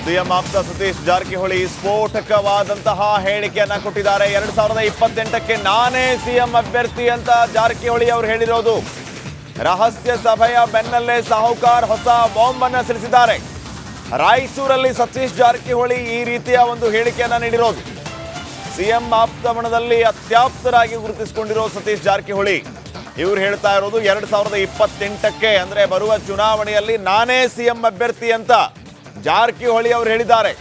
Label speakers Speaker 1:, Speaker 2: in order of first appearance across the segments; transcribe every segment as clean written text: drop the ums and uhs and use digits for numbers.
Speaker 1: CM ಆಪ್ತ ಸತೀಶ್ ಜಾರಕಿಹೊಳಿ ಸ್ಫೋಟಕವಾದಂತಹ ಹೇಳಿಕೆಯನ್ನ ಕೊಟ್ಟಿದ್ದಾರೆ. 2028ಕ್ಕೆ ನಾನೇ ಸಿಎಂ ಅಭ್ಯರ್ಥಿ ಅಂತ ಜಾರಕಿಹೊಳಿ ಅವರು ಹೇಳಿರೋದು. ರಹಸ್ಯ ಸಭೆಯ ಬೆನ್ನಲ್ಲೇ ಸಾಹುಕಾರ್ ಹೊಸ ಬಾಂಬ್ ಅನ್ನು ಸಿಡಿಸಿದ್ದಾರೆ. ರಾಯಚೂರಲ್ಲಿ ಸತೀಶ್ ಜಾರಕಿಹೊಳಿ ಈ ರೀತಿಯ ಒಂದು ಹೇಳಿಕೆಯನ್ನ ನೀಡಿರೋದು. ಸಿಎಂ ಆಪ್ತಮಣದಲ್ಲಿ ಅತ್ಯಾಪ್ತರಾಗಿ ಗುರುತಿಸಿಕೊಂಡಿರೋ ಸತೀಶ್ ಜಾರಕಿಹೊಳಿ ಇವರು ಹೇಳ್ತಾ ಇರೋದು 2028ಕ್ಕೆ ಅಂದ್ರೆ ಬರುವ ಚುನಾವಣೆಯಲ್ಲಿ ನಾನೇ ಸಿಎಂ ಅಭ್ಯರ್ಥಿ ಅಂತ ಜಾರಕಿಹೊಳಿ ಅವರು ಹೇಳಿದ್ದಾರೆ.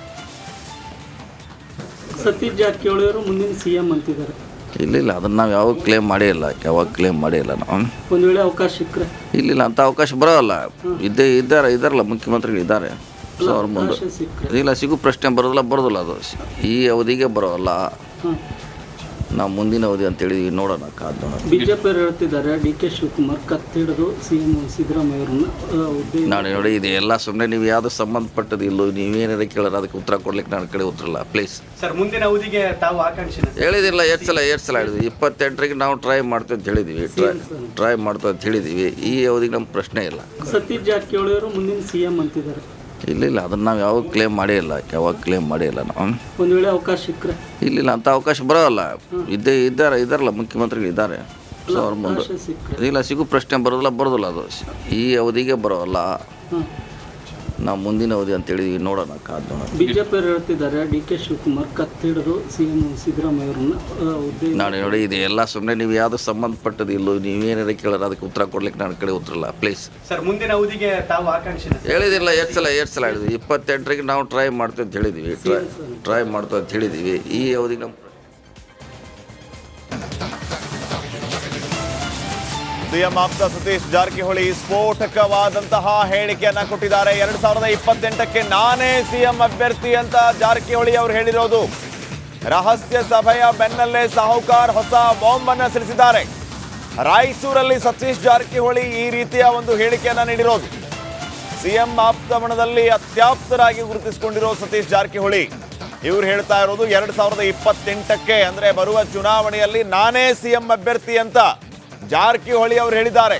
Speaker 2: ಸತೀಶ್ ಜಾರಕಿಹೊಳಿ ಅವರು ಮುಂದಿನ ಸಿಎಂ ಅಂತಿದ್ದಾರೆ.
Speaker 3: ಇಲ್ಲ ಅದನ್ನ ನಾವು ಯಾವಾಗ ಕ್ಲೇಮ್ ಮಾಡೇ ಇಲ್ಲ, ನಾವು
Speaker 2: ಒಂದು ವೇಳೆ ಅವಕಾಶ ಸಿಕ್ಕರೆ
Speaker 3: ಇಲ್ಲ ಅಂತ ಅವಕಾಶ ಬರೋಲ್ಲ. ಇದ್ದಾರಲ್ಲ ಮುಖ್ಯಮಂತ್ರಿಗಳು ಇದ್ದಾರೆ. ಸೊ ಅವ್ರ ಮುಂದೆ ಇಲ್ಲ ಸಿಗು ಪ್ರಶ್ನೆ ಬರೋದಿಲ್ಲ ಅದು ಈ ಅವಧಿಗೆ ಬರೋಲ್ಲ. ನಾವು ಮುಂದಿನ ಅವಧಿ ಅಂತ ಹೇಳಿದ್ವಿ, ನೋಡೋಣ ಕಾದ್ ನೋಡೋಣ.
Speaker 2: ಬಿಜೆಪಿ ಹೇಳ್ತಿದ್ದಾರೆ DK ಶಿವಕುಮಾರ್ ಕತ್ತಿಡಿದು ಸಿಎಂ ಸಿದ್ದರಾಮಯ್ಯ ಅವರನ್ನ
Speaker 3: ನಾನು ನೋಡಿ ಇದು ಎಲ್ಲ ಸುಮ್ಮನೆ ನೀವು ಯಾವ್ದು ಸಂಬಂಧಪಟ್ಟದ್ದು ಇಲ್ಲೋ ನೀವೇನಾರ ಕೇಳೋರು ಅದಕ್ಕೆ ಉತ್ತರ ಕೊಡ್ಲಿಕ್ಕೆ ನನ್ನ ಕಡೆ ಉತ್ತರಲ್ಲ ಪ್ಲೀಸ್.
Speaker 4: ಸರ್ ಮುಂದಿನ ಅವಧಿಗೆ ತಾವು ಆಕಾಂಕ್ಷೆ
Speaker 3: ಹೇಳಿದಿಲ್ಲ ಎಷ್ಟು ಸಲ ಹೇಳಿದ್ವಿ. 28ಕ್ಕೆ ನಾವು ಟ್ರೈ ಮಾಡ್ತೀವಿ ಅಂತ ಹೇಳಿದ್ವಿ, ಟ್ರೈ ಮಾಡ್ತೀವಿ ಅಂತ ಹೇಳಿದ್ವಿ. ಈ ಅವಧಿಗೆ ನಮ್ಮ ಪ್ರಶ್ನೆ ಇಲ್ಲ.
Speaker 2: ಸತೀಶ್ ಜಾರಕಿಹೊಳಿ ಅವರು ಮುಂದಿನ ಸಿಎಂ ಅಂತಿದ್ದಾರೆ.
Speaker 3: ಇಲ್ಲ ಅದನ್ನ ನಾವು ಯಾವಾಗ ಕ್ಲೇಮ್ ಮಾಡೇ ಇಲ್ಲ, ನಾವು
Speaker 2: ಒಂದು ವೇಳೆ ಅವಕಾಶ ಸಿಕ್ಕರೆ
Speaker 3: ಇಲ್ಲ ಅಂತ ಅವಕಾಶ ಬರೋಲ್ಲ. ಇದ್ದಾರಲ್ಲ ಮುಖ್ಯಮಂತ್ರಿಗಳು ಇದ್ದಾರೆ. ಸೊ ಅವ್ರ ಮುಂದೆ ಇಲ್ಲ ಸಿಗು ಪ್ರಶ್ನೆ ಬರೋದಿಲ್ಲ ಅದು ಈ ಅವಧಿಗೆ ಬರೋಲ್ಲ. ನಾವು ಮುಂದಿನ ಅವಧಿ ಅಂತ ಹೇಳಿದ್ವಿ, ನೋಡೋಣ ಕಾದ್ ನೋಡೋಣ.
Speaker 2: ಬಿಜೆಪಿ ಹೇಳ್ತಿದ್ದಾರೆ DK ಶಿವಕುಮಾರ್ ಕತ್ತಿಡಿದು ಸಿಎಂ ಸಿದ್ದರಾಮಯ್ಯ ಅವರನ್ನ
Speaker 3: ನಾನು ನೋಡಿ ಇದು ಎಲ್ಲ ಸುಮ್ಮನೆ ನೀವು ಯಾವ್ದು ಸಂಬಂಧಪಟ್ಟದ್ದು ಇಲ್ಲೋ ನೀವೇನಾರ ಕೇಳೋರು ಅದಕ್ಕೆ ಉತ್ತರ ಕೊಡ್ಲಿಕ್ಕೆ ನನ್ನ ಕಡೆ ಉತ್ತರಲ್ಲ ಪ್ಲೀಸ್.
Speaker 4: ಸರ್ ಮುಂದಿನ ಅವಧಿಗೆ ತಾವು ಆಕಾಂಕ್ಷೆ
Speaker 3: ಹೇಳಿದಿಲ್ಲ ಎಷ್ಟು ಸಲ ಹೇಳಿದ್ವಿ. 28ಕ್ಕೆ ನಾವು ಟ್ರೈ ಮಾಡ್ತೀವಿ ಅಂತ ಹೇಳಿದ್ವಿ, ಟ್ರೈ ಮಾಡ್ತೀವಿ ಅಂತ ಹೇಳಿದ್ವಿ. ಈ ಅವಧಿಗೆ ನಮ್ಮ
Speaker 1: ಸಿಎಂ ಆಪ್ತ ಸತೀಶ್ ಜಾರಕಿಹೊಳಿ ಸ್ಫೋಟಕವಾದಂತಹ ಹೇಳಿಕೆಯನ್ನ ಕೊಟ್ಟಿದ್ದಾರೆ. 2028ಕ್ಕೆ ನಾನೇ ಸಿಎಂ ಅಭ್ಯರ್ಥಿ ಅಂತ ಜಾರಕಿಹೊಳಿ ಅವರು ಹೇಳಿರೋದು. ರಹಸ್ಯ ಸಭೆಯ ಬೆನ್ನಲ್ಲೇ ಸಾಹುಕಾರ್ ಹೊಸ ಬಾಂಬ್ ಅನ್ನು ಸಿಡಿಸಿದ್ದಾರೆ. ರಾಯಚೂರಲ್ಲಿ ಸತೀಶ್ ಜಾರಕಿಹೊಳಿ ಈ ರೀತಿಯ ಒಂದು ಹೇಳಿಕೆಯನ್ನ ನೀಡಿರೋದು. ಸಿಎಂ ಆಪ್ತಮಣದಲ್ಲಿ ಅತ್ಯಾಪ್ತರಾಗಿ ಗುರುತಿಸಿಕೊಂಡಿರೋ ಸತೀಶ್ ಜಾರಕಿಹೊಳಿ ಇವರು ಹೇಳ್ತಾ ಇರೋದು 2028ಕ್ಕೆ ಅಂದ್ರೆ ಬರುವ ಚುನಾವಣೆಯಲ್ಲಿ ನಾನೇ ಸಿಎಂ ಅಭ್ಯರ್ಥಿ ಅಂತ ಜಾರಕಿಹೊಳಿ ಅವರು ಹೇಳಿದ್ದಾರೆ.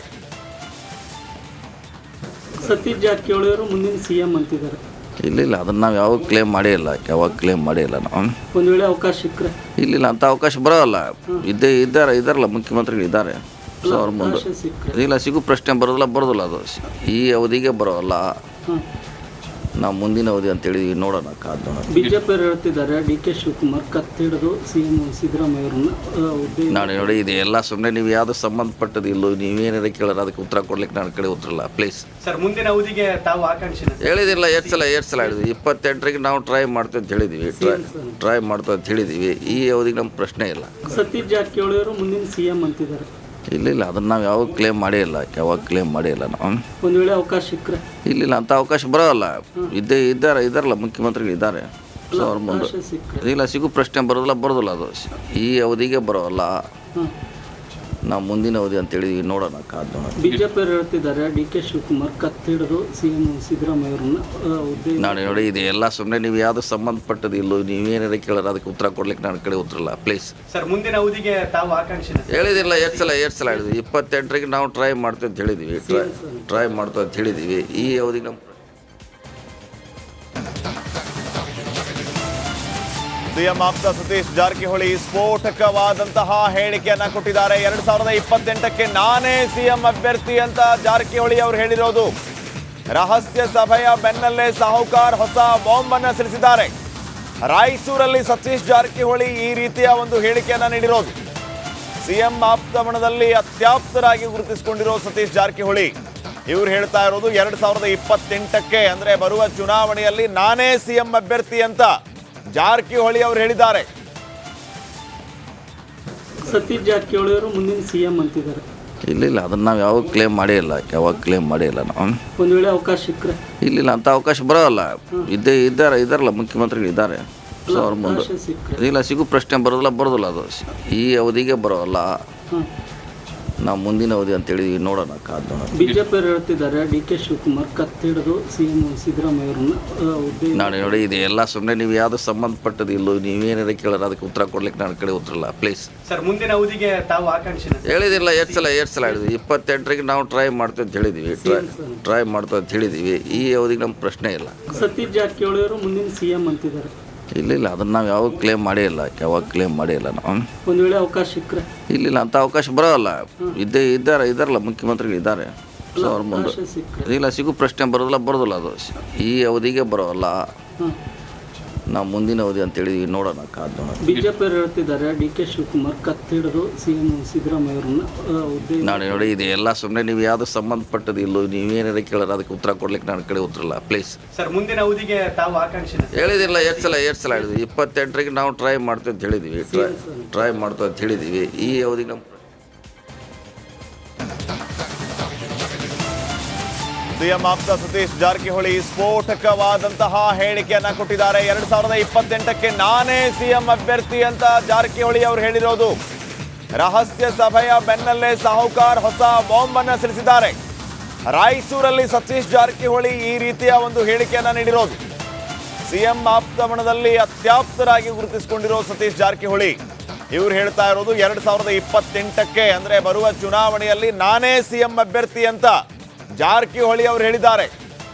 Speaker 2: ಸತೀಶ್ ಜಾರಕಿಹೊಳಿ ಅವರು ಮುಂದಿನ ಸಿಎಂ ಅಂತಿದ್ದಾರೆ.
Speaker 3: ಇಲ್ಲ ಅದನ್ನ ನಾವು ಯಾವಾಗ ಕ್ಲೇಮ್ ಮಾಡೇ ಇಲ್ಲ, ನಾವು
Speaker 2: ಒಂದು ವೇಳೆ ಅವಕಾಶ ಸಿಕ್ಕರೆ
Speaker 3: ಇಲ್ಲ ಅಂತ ಅವಕಾಶ ಬರೋಲ್ಲ. ಇದ್ದಾರಲ್ಲ ಮುಖ್ಯಮಂತ್ರಿಗಳು ಇದ್ದಾರೆ. ಸೊ ಅವ್ರ ಮುಂದೆ ಇಲ್ಲ ಸಿಗು ಪ್ರಶ್ನೆ ಬರೋದಿಲ್ಲ ಅದು ಈ ಅವಧಿಗೆ ಬರೋಲ್ಲ. ನಾವು ಮುಂದಿನ ಅವಧಿ ಅಂತ ಹೇಳಿದ್ವಿ, ನೋಡೋಣ ಕಾದ್ ನೋಡೋಣ.
Speaker 2: ಬಿಜೆಪಿ ಹೇಳ್ತಿದ್ದಾರೆ DK ಶಿವಕುಮಾರ್ ಕತ್ತಿಡಿದು ಸಿಎಂ ಸಿದ್ದರಾಮಯ್ಯ ಅವರನ್ನ
Speaker 3: ನಾನು ನೋಡಿ ಇದು ಎಲ್ಲ ಸುಮ್ಮನೆ ನೀವು ಯಾವ್ದು ಸಂಬಂಧಪಟ್ಟದ್ದು ಇಲ್ಲೋ ನೀವೇನಾರ ಕೇಳೋರು ಅದಕ್ಕೆ ಉತ್ತರ ಕೊಡ್ಲಿಕ್ಕೆ ನನ್ನ ಕಡೆ ಉತ್ತರಲ್ಲ ಪ್ಲೀಸ್.
Speaker 4: ಸರ್ ಮುಂದಿನ ಅವಧಿಗೆ ತಾವು ಆಕಾಂಕ್ಷೆ
Speaker 3: ಹೇಳಿದಿಲ್ಲ ಎಷ್ಟು ಸಲ ಹೇಳಿದ್ವಿ. 28ಕ್ಕೆ ನಾವು ಟ್ರೈ ಮಾಡ್ತೀವಿ ಅಂತ ಹೇಳಿದ್ವಿ, ಟ್ರೈ ಮಾಡ್ತೀವಿ ಅಂತ ಹೇಳಿದ್ವಿ. ಈ ಅವಧಿಗೆ ನಮ್ಮ ಪ್ರಶ್ನೆ ಇಲ್ಲ.
Speaker 2: ಸತೀಶ್ ಜಾರಕಿಹೊಳಿ ಅವರು ಮುಂದಿನ ಸಿಎಂ ಅಂತಿದ್ದಾರೆ.
Speaker 3: ಇಲ್ಲ ಅದನ್ನ ನಾವು ಯಾವಾಗ ಕ್ಲೇಮ್ ಮಾಡೇ ಇಲ್ಲ, ನಾವು
Speaker 2: ಒಂದು ವೇಳೆ ಅವಕಾಶ ಸಿಕ್ಕರೆ
Speaker 3: ಇಲ್ಲ ಅಂತ ಅವಕಾಶ ಬರೋಲ್ಲ. ಇದ್ದಾರಲ್ಲ ಮುಖ್ಯಮಂತ್ರಿಗಳು ಇದ್ದಾರೆ. ಸೊ ಅವ್ರ ಮುಂದೆ ಇಲ್ಲ ಸಿಗು ಪ್ರಶ್ನೆ ಬರೋದಿಲ್ಲ ಅದು ಈ ಅವಧಿಗೆ ಬರೋಲ್ಲ. ನಾವು ಮುಂದಿನ ಅವಧಿ ಅಂತ ಹೇಳಿದ್ವಿ, ನೋಡೋಣ ಕಾದ್ ನೋಡೋಣ.
Speaker 2: ಬಿಜೆಪಿ ಹೇಳ್ತಿದ್ದಾರೆ DK ಶಿವಕುಮಾರ್ ಕತ್ತಿಡಿದು ಸಿಎಂ ಸಿದ್ದರಾಮಯ್ಯ ಅವರನ್ನ
Speaker 3: ನಾನು ನೋಡಿ ಇದು ಎಲ್ಲ ಸುಮ್ಮನೆ ನೀವು ಯಾವ್ದು ಸಂಬಂಧಪಟ್ಟದ್ದು ಇಲ್ಲೋ ನೀವೇನಾರ ಕೇಳೋರು ಅದಕ್ಕೆ ಉತ್ತರ ಕೊಡ್ಲಿಕ್ಕೆ ನನ್ನ ಕಡೆ ಉತ್ತರಲ್ಲ ಪ್ಲೀಸ್.
Speaker 4: ಸರ್ ಮುಂದಿನ ಅವಧಿಗೆ ತಾವು ಆಕಾಂಕ್ಷೆ
Speaker 3: ಹೇಳಿದಿಲ್ಲ ಎಷ್ಟು ಸಲ ಹೇಳಿದ್ವಿ. 28ಕ್ಕೆ ನಾವು ಟ್ರೈ ಮಾಡ್ತೀವಿ ಅಂತ ಹೇಳಿದ್ವಿ, ಟ್ರೈ ಮಾಡ್ತೀವಿ ಅಂತ ಹೇಳಿದ್ವಿ. ಈ ಅವಧಿಗೆ ನಮ್ಮ
Speaker 1: ಸಿಎಂ ಆಪ್ತ ಸತೀಶ್ ಜಾರಕಿಹೊಳಿ ಸ್ಫೋಟಕವಾದಂತಹ ಹೇಳಿಕೆಯನ್ನ ಕೊಟ್ಟಿದ್ದಾರೆ. 2028ಕ್ಕೆ ನಾನೇ ಸಿಎಂ ಅಭ್ಯರ್ಥಿ ಅಂತ ಜಾರಕಿಹೊಳಿ ಅವರು ಹೇಳಿರೋದು. ರಹಸ್ಯ ಸಭೆಯ ಬೆನ್ನಲ್ಲೇ ಸಾಹುಕಾರ್ ಹೊಸ ಬಾಂಬ್ ಅನ್ನು ಸಿಡಿಸಿದ್ದಾರೆ. ರಾಯಚೂರಲ್ಲಿ ಸತೀಶ್ ಜಾರಕಿಹೊಳಿ ಈ ರೀತಿಯ ಒಂದು ಹೇಳಿಕೆಯನ್ನ ನೀಡಿರೋದು. ಸಿಎಂ ಆಪ್ತಮಣದಲ್ಲಿ ಅತ್ಯಾಪ್ತರಾಗಿ ಗುರುತಿಸಿಕೊಂಡಿರೋ ಸತೀಶ್ ಜಾರಕಿಹೊಳಿ ಇವರು ಹೇಳ್ತಾ ಇರೋದು 2028ಕ್ಕೆ ಅಂದ್ರೆ ಬರುವ ಚುನಾವಣೆಯಲ್ಲಿ ನಾನೇ ಸಿಎಂ ಅಭ್ಯರ್ಥಿ ಅಂತ ಜಾರಕಿಹೊಳಿ ಅವರು ಹೇಳಿದ್ದಾರೆ.
Speaker 2: ಸತೀಶ್ ಜಾರಕಿಹೊಳಿ ಅವರು ಮುಂದಿನ ಸಿಎಂ ಅಂತಿದ್ದಾರೆ.
Speaker 3: ಇಲ್ಲ ಅದನ್ನ ನಾವು ಯಾವಾಗ ಕ್ಲೇಮ್ ಮಾಡೇ ಇಲ್ಲ, ನಾವು
Speaker 2: ಒಂದು ವೇಳೆ ಅವಕಾಶ ಸಿಕ್ಕರೆ
Speaker 3: ಇಲ್ಲ ಅಂತ ಅವಕಾಶ ಬರೋಲ್ಲ. ಇದ್ದಾರಲ್ಲ ಮುಖ್ಯಮಂತ್ರಿಗಳು ಇದ್ದಾರೆ. ಸೊ ಅವ್ರ ಮುಂದೆ ಇಲ್ಲ ಸಿಗು ಪ್ರಶ್ನೆ ಬರೋದಿಲ್ಲ ಅದು ಈ ಅವಧಿಗೆ ಬರೋಲ್ಲ. ನಾವು ಮುಂದಿನ ಅವಧಿ ಅಂತೇಳಿ ನೋಡೋಣ, ಕಾದು ನೋಡೋಣ.
Speaker 2: ಬಿಜೆಪಿಯವರು ಹೇಳ್ತಿದ್ದಾರೆ ಡಿ ಕೆ ಶಿವಕುಮಾರ್ ಕತ್ತಿಡಿದು ಸಿಎಂ ಸಿದ್ದರಾಮಯ್ಯ ಅವರನ್ನ ಹುದ್ದೆ.
Speaker 3: ನಾನು ನೋಡಿ, ಇದು ಎಲ್ಲ ಸುಮ್ಮನೆ ನೀವು ಯಾವುದು ಸಂಬಂಧಪಟ್ಟದ್ದು ಇಲ್ಲೋ, ನೀವೇನಾರ ಕೇಳೋರು ಅದಕ್ಕೆ ಉತ್ತರ ಕೊಡ್ಲಿಕ್ಕೆ ನನ್ನ ಕಡೆ ಉತ್ತರಲ್ಲ, ಪ್ಲೀಸ್.
Speaker 4: ಸರ್ ಮುಂದಿನ ಅವಧಿಗೆ ತಾವು ಆಕಾಂಕ್ಷಿನ
Speaker 3: ಹೇಳಿದಿಲ್ಲ, ಎಷ್ಟು ಸಲ ಹೇಳಿದ್ವಿ. 28ರಿಗೆ ನಾವು ಟ್ರೈ ಮಾಡ್ತೀವಿ ಅಂತ ಹೇಳಿದ್ವಿ, ಟ್ರೈ ಮಾಡ್ತೀವಿ ಅಂತ ಹೇಳಿದ್ದೀವಿ. ಈ ಅವಧಿಗೆ ನಮ್ಮ ಪ್ರಶ್ನೆ ಇಲ್ಲ.
Speaker 2: ಸತೀಶ್ ಜಾರಕಿಹೊಳಿ ಅವರು ಮುಂದಿನ ಸಿಎಂ ಅಂತಿದ್ದಾರೆ.
Speaker 3: ಇಲ್ಲ ಅದನ್ನು ನಾವು ಯಾವಾಗ ಕ್ಲೇಮ್ ಮಾಡೇ ಇಲ್ಲ, ನಾವು.
Speaker 2: ಒಂದು ವೇಳೆ ಅವಕಾಶ ಸಿಕ್ಕರೆ
Speaker 3: ಇಲ್ಲ ಅಂಥ ಅವಕಾಶ ಬರೋಲ್ಲ. ಇದ್ದಾರಲ್ಲ ಮುಖ್ಯಮಂತ್ರಿಗಳು ಇದ್ದಾರೆ, ಸೊ ಅವ್ರ ಮುಂದೆ ಇಲ್ಲ ಸಿಗು ಪ್ರಶ್ನೆ ಬರೋದಿಲ್ಲ ಅದು. ಈ ಅವಧಿಗೆ ಬರೋಲ್ಲ, ನಾವು ಮುಂದಿನ ಅವಧಿ ಅಂತೇಳಿ ನೋಡೋಣ, ಕಾದು ನೋಡೋಣ.
Speaker 2: ಬಿಜೆಪಿಯವರು ಹೇಳ್ತಿದ್ದಾರೆ ಡಿ ಕೆ ಶಿವಕುಮಾರ್ ಕತ್ತಿಡಿದು ಸಿಎಂ ಸಿದ್ದರಾಮಯ್ಯ ಅವರನ್ನ ಹುದ್ದೆ.
Speaker 3: ನಾನು ನೋಡಿ, ಇದು ಎಲ್ಲ ಸುಮ್ಮನೆ ನೀವು ಯಾವುದು ಸಂಬಂಧಪಟ್ಟದ್ದು ಇಲ್ಲೋ, ನೀವೇನಾರ ಕೇಳೋರು ಅದಕ್ಕೆ ಉತ್ತರ ಕೊಡ್ಲಿಕ್ಕೆ ನನ್ನ ಕಡೆ ಉತ್ತರಲ್ಲ, ಪ್ಲೀಸ್.
Speaker 4: ಸರ್ ಮುಂದಿನ ಅವಧಿಗೆ ತಾವು ಆಕಾಂಕ್ಷಿನ
Speaker 3: ಹೇಳಿದಿಲ್ಲ, ಎಷ್ಟು ಸಲ ಹೇಳಿದ್ವಿ. 28ರಿಗೆ ನಾವು ಟ್ರೈ ಮಾಡ್ತೀವಿ ಅಂತ ಹೇಳಿದ್ವಿ, ಟ್ರೈ ಮಾಡ್ತೀವಿ ಅಂತ ಹೇಳಿದ್ದೀವಿ. ಈ ಅವಧಿಗೆ ನಮ್ಮ
Speaker 1: ಸಿಎಂ ಆಪ್ತ ಸತೀಶ್ ಜಾರಕಿಹೊಳಿ ಸ್ಫೋಟಕವಾದಂತಹ ಹೇಳಿಕೆಯನ್ನ ಕೊಟ್ಟಿದ್ದಾರೆ. 2028ಕ್ಕೆ ನಾನೇ ಸಿಎಂ ಅಭ್ಯರ್ಥಿ ಅಂತ ಜಾರಕಿಹೊಳಿ ಅವರು ಹೇಳಿರೋದು. ರಹಸ್ಯ ಸಭೆಯ ಬೆನ್ನಲ್ಲೇ ಸಾಹುಕಾರ್ ಹೊಸ ಬಾಂಬ್ ಅನ್ನು ಸಿಡಿಸಿದ್ದಾರೆ. ರಾಯಚೂರಲ್ಲಿ ಸತೀಶ್ ಜಾರಕಿಹೊಳಿ ಈ ರೀತಿಯ ಒಂದು ಹೇಳಿಕೆಯನ್ನ ನೀಡಿರೋದು. ಸಿಎಂ ಆಪ್ತಮಣದಲ್ಲಿ ಅತ್ಯಾಪ್ತರಾಗಿ ಗುರುತಿಸಿಕೊಂಡಿರೋ ಸತೀಶ್ ಜಾರಕಿಹೊಳಿ ಇವರು ಹೇಳ್ತಾ ಇರೋದು 2028ಕ್ಕೆ ಅಂದ್ರೆ ಬರುವ ಚುನಾವಣೆಯಲ್ಲಿ ನಾನೇ ಸಿಎಂ ಅಭ್ಯರ್ಥಿ ಅಂತ ಜಾರಕಿಹೊಳಿ ಅವರು ಹೇಳಿದ್ದಾರೆ.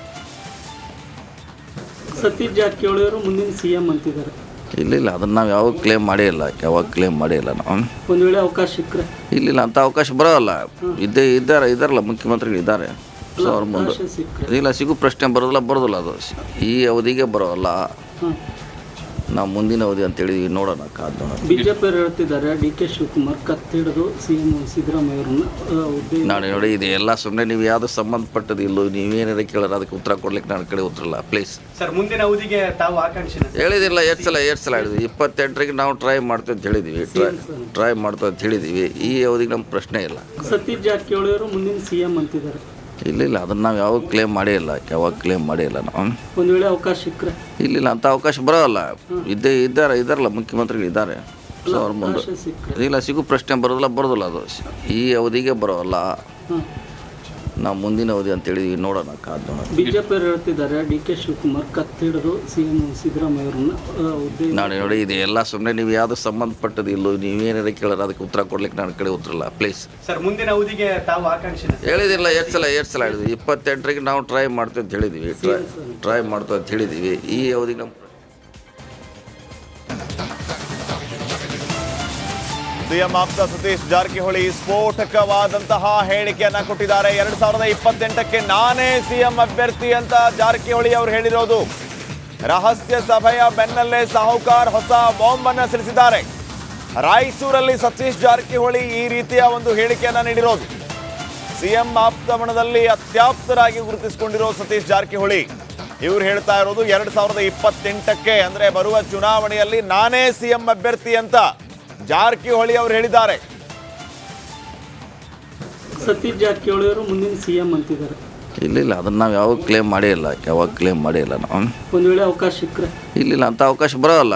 Speaker 2: ಸತೀಶ್ ಜಾರಕಿಹೊಳಿ ಅವರು ಮುಂದಿನ ಸಿಎಂ ಅಂತಿದ್ದಾರೆ.
Speaker 3: ಇಲ್ಲ ಅದನ್ನು ನಾವು ಯಾವಾಗ ಕ್ಲೇಮ್ ಮಾಡೇ ಇಲ್ಲ, ನಾವು.
Speaker 2: ಒಂದು ವೇಳೆ ಅವಕಾಶ ಸಿಕ್ಕರೆ
Speaker 3: ಇಲ್ಲ ಅಂಥ ಅವಕಾಶ ಬರೋಲ್ಲ. ಇದ್ದಾರಲ್ಲ ಮುಖ್ಯಮಂತ್ರಿಗಳು ಇದ್ದಾರೆ, ಸೊ ಅವ್ರ ಮುಂದೆ ಇಲ್ಲ ಸಿಗು ಪ್ರಶ್ನೆ ಬರೋದಿಲ್ಲ ಅದು. ಈ ಅವಧಿಗೆ ಬರೋಲ್ಲ, ನಾವು ಮುಂದಿನ ಅವಧಿ ಅಂತೇಳಿ ನೋಡೋಣ, ಕಾದು ನೋಡೋಣ.
Speaker 2: ಬಿಜೆಪಿಯವರು ಹೇಳ್ತಿದ್ದಾರೆ ಡಿ ಕೆ ಶಿವಕುಮಾರ್ ಕತ್ತಿಡಿದು ಸಿಎಂ ಸಿದ್ದರಾಮಯ್ಯ ಅವರನ್ನ ಹುದ್ದೆ.
Speaker 3: ನಾನು ನೋಡಿ, ಇದು ಎಲ್ಲ ಸುಮ್ಮನೆ ನೀವು ಯಾವುದು ಸಂಬಂಧಪಟ್ಟದ್ದು ಇಲ್ಲೋ, ನೀವೇನಾರ ಕೇಳೋರು ಅದಕ್ಕೆ ಉತ್ತರ ಕೊಡ್ಲಿಕ್ಕೆ ನನ್ನ ಕಡೆ ಉತ್ತರಲ್ಲ, ಪ್ಲೀಸ್.
Speaker 4: ಸರ್ ಮುಂದಿನ ಅವಧಿಗೆ ತಾವು ಆಕಾಂಕ್ಷಿನ
Speaker 3: ಹೇಳಿದಿಲ್ಲ, ಎಷ್ಟು ಸಲ ಹೇಳಿದ್ವಿ. 28ರಿಗೆ ನಾವು ಟ್ರೈ ಮಾಡ್ತೀವಿ ಅಂತ ಹೇಳಿದ್ವಿ, ಟ್ರೈ ಮಾಡ್ತೀವಿ ಅಂತ ಹೇಳಿದ್ದೀವಿ. ಈ ಅವಧಿಗೆ ನಮ್ಮ ಪ್ರಶ್ನೆ ಇಲ್ಲ.
Speaker 2: ಸತೀಶ್ ಜಾರಕಿಹೊಳಿ ಅವರು ಮುಂದಿನ ಸಿಎಂ ಅಂತಿದ್ದಾರೆ.
Speaker 3: ಇಲ್ಲ ಅದನ್ನು ನಾವು ಯಾವಾಗ ಕ್ಲೇಮ್ ಮಾಡೇ ಇಲ್ಲ, ನಾವು.
Speaker 2: ಒಂದು ವೇಳೆ ಅವಕಾಶ ಸಿಕ್ಕರೆ
Speaker 3: ಇಲ್ಲ ಅಂಥ ಅವಕಾಶ ಬರೋಲ್ಲ. ಇದ್ದಾರಲ್ಲ ಮುಖ್ಯಮಂತ್ರಿಗಳು ಇದ್ದಾರೆ, ಸೊ ಅವ್ರ ಮುಂದೆ ಇಲ್ಲ ಸಿಗು ಪ್ರಶ್ನೆ ಬರೋದಿಲ್ಲ ಅದು. ಈ ಅವಧಿಗೆ ಬರೋಲ್ಲ, ನಾವು ಮುಂದಿನ ಅವಧಿ ಅಂತೇಳಿ ನೋಡೋಣ, ಕಾದು ನೋಡೋಣ.
Speaker 2: ಬಿಜೆಪಿಯವರು ಹೇಳ್ತಿದ್ದಾರೆ ಡಿ ಕೆ ಶಿವಕುಮಾರ್ ಕತ್ತಿಡಿದು ಸಿಎಂ ಸಿದ್ದರಾಮಯ್ಯ ಅವರನ್ನ ಹುದ್ದೆ.
Speaker 3: ನಾನು ನೋಡಿ, ಇದು ಎಲ್ಲ ಸುಮ್ಮನೆ ನೀವು ಯಾವುದು ಸಂಬಂಧಪಟ್ಟದ್ದು ಇಲ್ಲೋ, ನೀವೇನಾರ ಕೇಳೋರು ಅದಕ್ಕೆ ಉತ್ತರ ಕೊಡ್ಲಿಕ್ಕೆ ನನ್ನ ಕಡೆ ಉತ್ತರಲ್ಲ, ಪ್ಲೀಸ್.
Speaker 4: ಸರ್ ಮುಂದಿನ ಅವಧಿಗೆ ತಾವು ಆಕಾಂಕ್ಷಿನ
Speaker 3: ಹೇಳಿದಿಲ್ಲ, ಎಷ್ಟು ಸಲ ಹೇಳಿದ್ವಿ. 28ರಿಗೆ ನಾವು ಟ್ರೈ ಮಾಡ್ತೀವಿ ಅಂತ ಹೇಳಿದ್ವಿ, ಟ್ರೈ ಮಾಡ್ತೀವಿ ಅಂತ ಹೇಳಿದ್ದೀವಿ. ಈ ಅವಧಿಗೆ ನಮ್ಮ
Speaker 1: ಸಿಎಂ ಆಪ್ತ ಸತೀಶ್ ಜಾರಕಿಹೊಳಿ ಸ್ಫೋಟಕವಾದಂತಹ ಹೇಳಿಕೆಯನ್ನ ಕೊಟ್ಟಿದ್ದಾರೆ. 2028ಕ್ಕೆ ನಾನೇ ಸಿಎಂ ಅಭ್ಯರ್ಥಿ ಅಂತ ಜಾರಕಿಹೊಳಿ ಅವರು ಹೇಳಿರೋದು. ರಹಸ್ಯ ಸಭೆಯ ಬೆನ್ನಲ್ಲೇ ಸಾಹುಕಾರ್ ಹೊಸ ಬಾಂಬ್ ಅನ್ನು ಸಿಡಿಸಿದ್ದಾರೆ. ರಾಯಚೂರಲ್ಲಿ ಸತೀಶ್ ಜಾರಕಿಹೊಳಿ ಈ ರೀತಿಯ ಒಂದು ಹೇಳಿಕೆಯನ್ನ ನೀಡಿರೋದು. ಸಿಎಂ ಆಪ್ತಮಣದಲ್ಲಿ ಅತ್ಯಾಪ್ತರಾಗಿ ಗುರುತಿಸಿಕೊಂಡಿರೋ ಸತೀಶ್ ಜಾರಕಿಹೊಳಿ ಇವರು ಹೇಳ್ತಾ ಇರೋದು 2028ಕ್ಕೆ ಅಂದ್ರೆ ಬರುವ ಚುನಾವಣೆಯಲ್ಲಿ ನಾನೇ ಸಿಎಂ ಅಭ್ಯರ್ಥಿ ಅಂತ ಜಾರಕಿಹೊಳಿ ಅವರು ಹೇಳಿದ್ದಾರೆ.
Speaker 2: ಸತೀಶ್ ಜಾರಕಿಹೊಳಿ ಅವರು ಮುಂದಿನ ಸಿಎಂ ಅಂತಿದ್ದಾರೆ.
Speaker 3: ಇಲ್ಲ ಅದನ್ನು ನಾವು ಯಾವಾಗ ಕ್ಲೇಮ್ ಮಾಡೇ ಇಲ್ಲ, ನಾವು.
Speaker 2: ಒಂದು ವೇಳೆ ಅವಕಾಶ ಸಿಕ್ಕರೆ
Speaker 3: ಇಲ್ಲ ಅಂಥ ಅವಕಾಶ ಬರೋಲ್ಲ.